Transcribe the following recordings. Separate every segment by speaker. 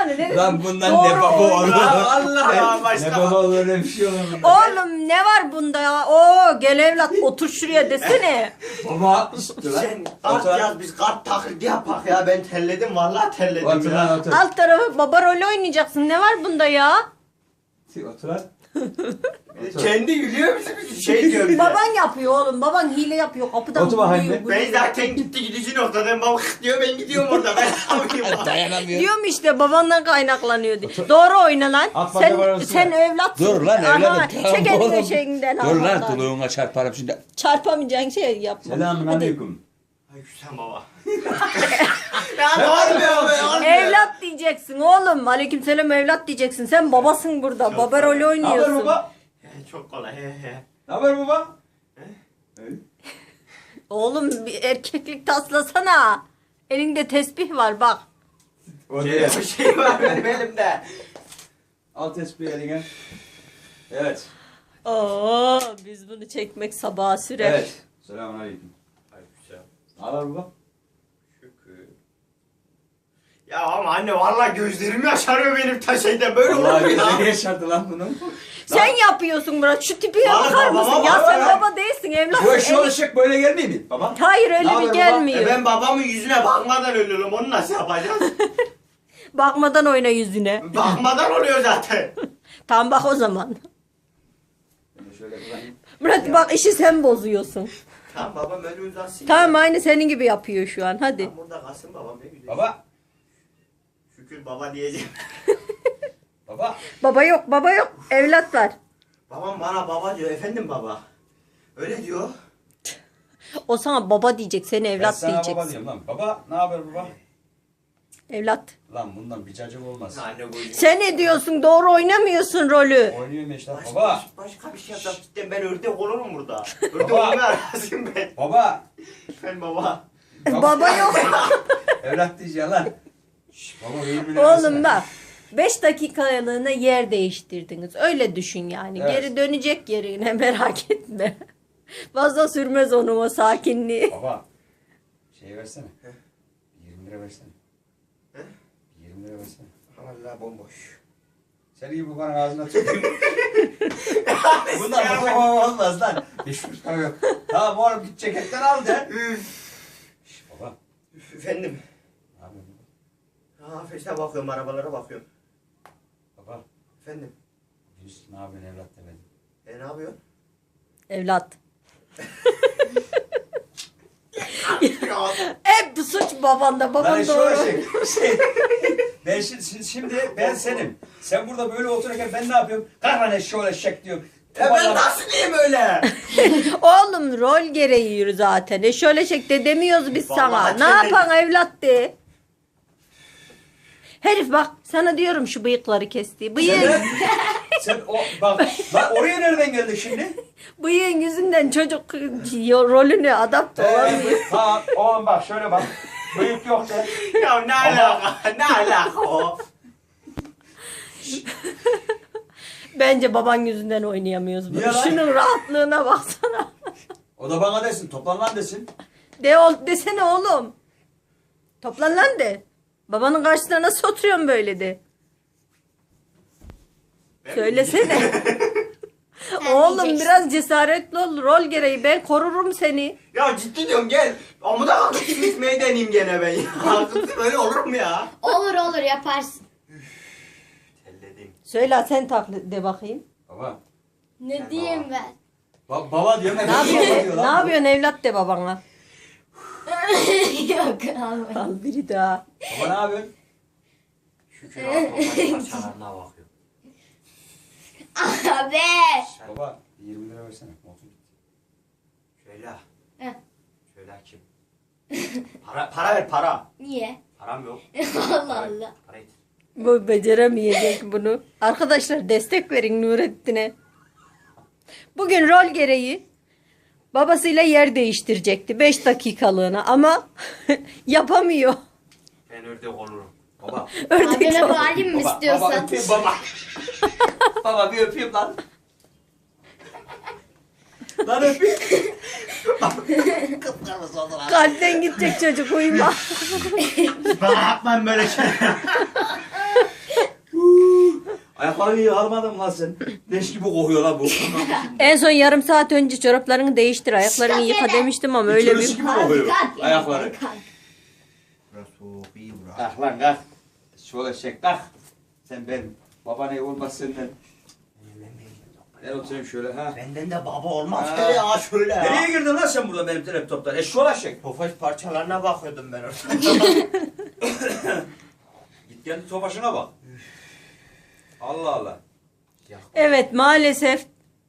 Speaker 1: yani. Ne,
Speaker 2: Lan bundan
Speaker 1: doğru
Speaker 2: ne baba olur?
Speaker 3: Ya Allah başka.
Speaker 2: Ne baba olur öyle bir şey olur.
Speaker 1: Oğlum ne var bunda ya? Oo gel evlat otur şuraya desene.
Speaker 2: Baba. İşte lan.
Speaker 3: Sen kart yaz biz kart taklidi yapak ya ben terledim vallahi terledim
Speaker 2: Otur lan
Speaker 3: ya.
Speaker 2: otur.
Speaker 1: Alt tarafı baba rolü oynayacaksın. Ne var bunda ya?
Speaker 2: Otur lan. Otur.
Speaker 3: Kendi gülüyor musun? Şey diyor bize.
Speaker 1: Baban yapıyor oğlum. Baban hile yapıyor. Kapıdan
Speaker 2: Otur bakayım
Speaker 1: vuruyor,
Speaker 2: bir.
Speaker 3: Ben
Speaker 1: vuruyor.
Speaker 3: zaten gitti gidici noktadan baba diyor ben gidiyorum orada ben yapayım.
Speaker 2: Dayanamıyorum.
Speaker 1: Diyorum işte babandan kaynaklanıyor diye. Doğru oyna lan.
Speaker 2: At bana
Speaker 1: Sen,
Speaker 2: parası
Speaker 1: sen evlatsın.
Speaker 2: Dur lan
Speaker 1: Aha,
Speaker 2: evladım.
Speaker 1: çek elini şeyinden.
Speaker 2: Dur lan
Speaker 1: ağzından.
Speaker 2: tuluğuna çarparım şimdi.
Speaker 1: Çarpamayacağın şey yapma.
Speaker 2: Selamun
Speaker 1: Hadi.
Speaker 2: aleyküm.
Speaker 3: Ay sen baba. Ya olmuyor be olmuyor.
Speaker 1: Evlat diyeceksin oğlum. Aleykümselam evlat diyeceksin. Sen babasın burada.
Speaker 3: Çok
Speaker 1: Baba rolü
Speaker 2: Ne haber
Speaker 1: oynuyorsun.
Speaker 2: baba?
Speaker 3: Çok kolay he he.
Speaker 2: Ne haber baba?
Speaker 1: Oğlum bir erkeklik taslasana. Elinde tesbih var bak.
Speaker 2: O değil.
Speaker 3: Bir şey var benim elimde.
Speaker 2: Al tespihi eline. Evet.
Speaker 1: Oo, biz bunu çekmek sabaha sürer.
Speaker 2: Evet. Selamun aleyküm.
Speaker 3: Aleykümselam.
Speaker 2: Ne haber baba?
Speaker 3: Şükür. Ya ama anne vallahi gözlerim yaşarıyor benim ta şeyde böyle olur
Speaker 2: Vallahi
Speaker 3: mu
Speaker 2: gözleri
Speaker 3: ya?
Speaker 2: yaşardı lan bunun.
Speaker 1: Sen yapıyorsun Murat. Şu tipine
Speaker 3: Vallahi
Speaker 1: bakar
Speaker 3: babama
Speaker 1: mısın? Ya
Speaker 3: bak
Speaker 1: sen
Speaker 3: ya.
Speaker 1: baba değilsin evlatsın.
Speaker 2: Bu eşi olacak böyle gelmiyor mu baba?
Speaker 1: Hayır
Speaker 2: Ne
Speaker 1: öyle
Speaker 2: haber
Speaker 1: bir
Speaker 2: baba?
Speaker 1: gelmiyor.
Speaker 3: Ben babamın yüzüne bakmadan ölüyorum onu nasıl yapacağız?
Speaker 1: Bakmadan oyna yüzüne.
Speaker 3: Bakmadan oluyor zaten.
Speaker 1: Tamam bak o zaman.
Speaker 2: Ben de şöyle kullanayım.
Speaker 1: Murat bak işi sen bozuyorsun.
Speaker 3: Tamam babam öyle uzansın.
Speaker 1: Tamam aynı senin gibi yapıyor şu an hadi.
Speaker 3: Tamam burada kalsın babam ne güzel.
Speaker 2: Baba.
Speaker 3: Şükür baba diyeceğim.
Speaker 2: Baba.
Speaker 1: Baba yok evlat var.
Speaker 3: Babam bana baba diyor efendim baba. Öyle diyor.
Speaker 1: O sana baba diyecek seni
Speaker 2: Ben
Speaker 1: evlat
Speaker 2: sana
Speaker 1: diyecek.
Speaker 2: baba diyorum lan. Baba ne haber baba?
Speaker 1: Evlat.
Speaker 2: Lan bundan bir cacık olmaz.
Speaker 3: Anne bu
Speaker 1: Sen ne diyorsun doğru oynamıyorsun rolü.
Speaker 2: Oynuyorum işte. Baba.
Speaker 3: Başka bir şey yapsam cidden ben ördek olurum burada. Ördek
Speaker 2: Baba.
Speaker 3: olmaya razıyım ben.
Speaker 2: Baba.
Speaker 3: Ben baba.
Speaker 1: Baba yok.
Speaker 2: Evlat diyeceğim lan. Şş, baba benim
Speaker 1: Oğlum bak 5 dakikalığına yer değiştirdiniz. Öyle düşün yani.
Speaker 2: Evet.
Speaker 1: Geri dönecek yerine merak etme. Fazla sürmez onun o sakinliği.
Speaker 2: Baba. Şey versene. 20 lira versene.
Speaker 3: He?
Speaker 2: 20 lira versene.
Speaker 3: Vallahi bomboş.
Speaker 2: Senin gibi bu kadar ağzına tüküreyim. Bundan baba olmaz lan. Hiç para yok. Tamam oğlum git ceketten al de. Şş, baba.
Speaker 3: Efendim.
Speaker 2: Ne yapıyorsun baba?
Speaker 3: Feşte bakıyorum arabalara bakıyorum.
Speaker 2: Baba.
Speaker 3: Efendim.
Speaker 2: Biz ne yapıyorsun evlat demedim.
Speaker 3: Ne yapıyorsun?
Speaker 1: Evlat. Hep suç babanda.
Speaker 2: Lan
Speaker 1: Babam
Speaker 2: şu
Speaker 1: doğru.
Speaker 2: ben şimdi ben senim. Sen burada böyle otururken ben ne yapıyorum? Kahraman eşşoğlu eşek diyorum.
Speaker 3: Ben nasıl diyeyim öyle?
Speaker 1: Oğlum rol gereği yürü zaten. Şöyle şekilde demiyoruz biz sana.
Speaker 3: Vallahi
Speaker 1: Ne
Speaker 3: kendine-
Speaker 1: yapan evlat de. Herif bak sana diyorum şu bıyıkları kesti.
Speaker 2: Sen o bak oraya nereden geldin şimdi?
Speaker 1: Bıyığın yüzünden çocuk rolünü adapte olamıyor.
Speaker 2: Tamam oğlum bak şöyle bak. Bıyık yok de.
Speaker 3: Ya ne alaka? Ne alaka o?
Speaker 1: Bence baban yüzünden oynayamıyoruz bunu.
Speaker 2: Niye lan?
Speaker 1: Şunun rahatlığına baksana.
Speaker 2: O da bana desin toplan lan desin.
Speaker 1: Desene oğlum. Toplan lan de. Babanın karşısına nasıl oturuyorsun böyle de. Söylesene. Oğlum
Speaker 4: diyeceksin.
Speaker 1: biraz cesaretli ol. Rol gereği ben korurum seni.
Speaker 3: Ya ciddi diyorum gel. Amuda kalkıp gitmeyi deneyeyim gene ben ya. Kızım öyle olur mu ya?
Speaker 4: Olur yaparsın.
Speaker 3: Telledim.
Speaker 1: Söyle sen taklit de bakayım.
Speaker 2: Baba.
Speaker 4: Ne diyeyim ben?
Speaker 2: Baba diyorum.
Speaker 1: Ne yapıyorsun? Ne yapıyorsun evlat de babana.
Speaker 4: Yok abi.
Speaker 1: Al biri daha.
Speaker 2: Baba ne yapıyorsun?
Speaker 3: Şükür Allah'ım parçalarına bakıyorum.
Speaker 4: Abi.
Speaker 2: Baba 20 lira versene. Olsun.
Speaker 3: Şöyle.
Speaker 4: Heh.
Speaker 3: Şöyle kim? Para ver para.
Speaker 4: Niye?
Speaker 3: Param yok.
Speaker 4: Allah Allah.
Speaker 3: Para getir.
Speaker 1: Bu beceremeyecek bunu. Arkadaşlar destek verin Nurettin'e. Bugün rol gereği babasıyla yer değiştirecekti 5 dakikalığına ama yapamıyor.
Speaker 3: Ben ördek olurum.
Speaker 2: Baba.
Speaker 1: Ördek
Speaker 4: Abime
Speaker 1: oldu.
Speaker 4: bağırayım mı
Speaker 2: Baba
Speaker 4: istiyorsan?
Speaker 2: öpeyim baba. Baba bir öpeyim lan. Lan öpeyim. Kıpkırmızı oldu lan.
Speaker 1: Kalpten gidecek çocuk uyuma.
Speaker 3: Bana yapmayın böyle şey.
Speaker 2: Ayakları iyi almadın lan sen. Leş gibi kokuyor lan bu.
Speaker 1: En son yarım saat önce çoraplarını değiştir, ayaklarını yıka demiştim ama öyle
Speaker 2: İçerisi
Speaker 1: bir...
Speaker 2: gibi kokuyor.
Speaker 4: Kalk ya,
Speaker 2: Ayakları.
Speaker 4: kalk.
Speaker 3: Burası soğuk iyi burası.
Speaker 2: Kalk lan kalk. Şöyle çek kalk. Sen benim. Baba ne olmaz senden. Ben oturayım şöyle ha.
Speaker 3: Benden de baba olmaz
Speaker 2: Ha.
Speaker 3: şöyle ya şöyle ya.
Speaker 2: Nereye girdin lan sen burada benim laptoptan? Şöyle çek.
Speaker 3: Tofaş parçalarına bakıyordum ben orada.
Speaker 2: Git kendi topaşına bak. Allah Allah.
Speaker 1: Evet, maalesef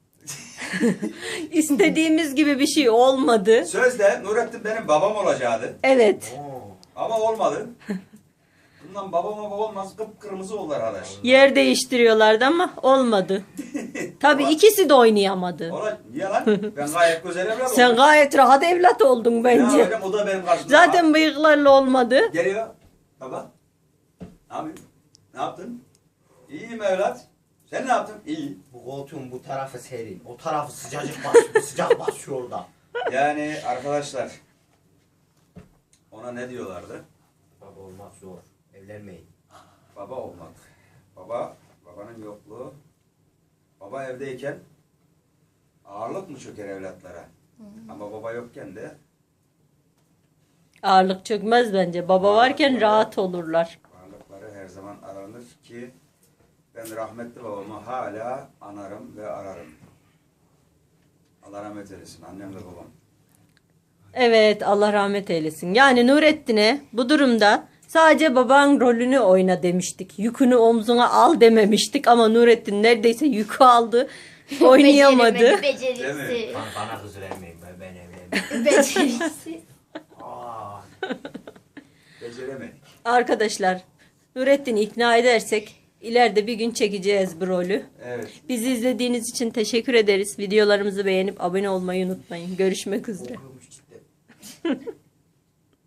Speaker 1: istediğimiz gibi bir şey olmadı.
Speaker 2: Sözde Nurettin benim babam olacaktı.
Speaker 1: Evet,
Speaker 2: Ama olmadı. Bundan babama baba olmaz, kıpkırmızı oldu arkadaş.
Speaker 1: yer değiştiriyorlardı ama olmadı. Tabii ikisi de oynayamadı.
Speaker 2: Ola, niye lan? Ben gayet güzel evlat oldum.
Speaker 1: Sen gayet rahat evlat oldun
Speaker 2: Ne
Speaker 1: bence.
Speaker 2: yapacağım? O da benim karşımda.
Speaker 1: Zaten bıyıklarla olmadı.
Speaker 2: Geliyor. Baba. Ne yapıyorsun? Ne yaptın? İyiyim evlat. Sen ne yaptın? İyi.
Speaker 3: Bu koltuğun bu tarafı serin. O tarafı sıcacık basıyor. Sıcak basıyor orada.
Speaker 2: Yani arkadaşlar ona ne diyorlardı?
Speaker 3: Baba olmak zor. Evlenmeyin.
Speaker 2: Baba olmak. Babanın yokluğu. Baba evdeyken ağırlık mı çöker evlatlara? Ama baba yokken de
Speaker 1: Ağırlık çökmez bence. Baba varken rahat olurlar.
Speaker 2: ağırlıkları her zaman aranır ki ben rahmetli babamı hala anarım ve ararım. Allah rahmet eylesin annem ve babam.
Speaker 1: Evet, Allah rahmet eylesin. Yani Nurettin'e bu durumda sadece baban rolünü oyna demiştik. Yükünü omzuna al dememiştik ama Nurettin neredeyse yükü aldı. Oynayamadı.
Speaker 4: Beceremedi,
Speaker 2: Değil
Speaker 4: becerisi.
Speaker 3: Bana kız vermeyin. Ben evlenmeyeyim.
Speaker 4: Becerisi.
Speaker 3: Aa.
Speaker 2: Beceremedik.
Speaker 1: Arkadaşlar, Nurettin'i ikna edersek ileride bir gün çekeceğiz bu rolü.
Speaker 2: Evet.
Speaker 1: Bizi izlediğiniz için teşekkür ederiz. Videolarımızı beğenip abone olmayı unutmayın. Görüşmek üzere.
Speaker 3: Korkuyormuş cidden.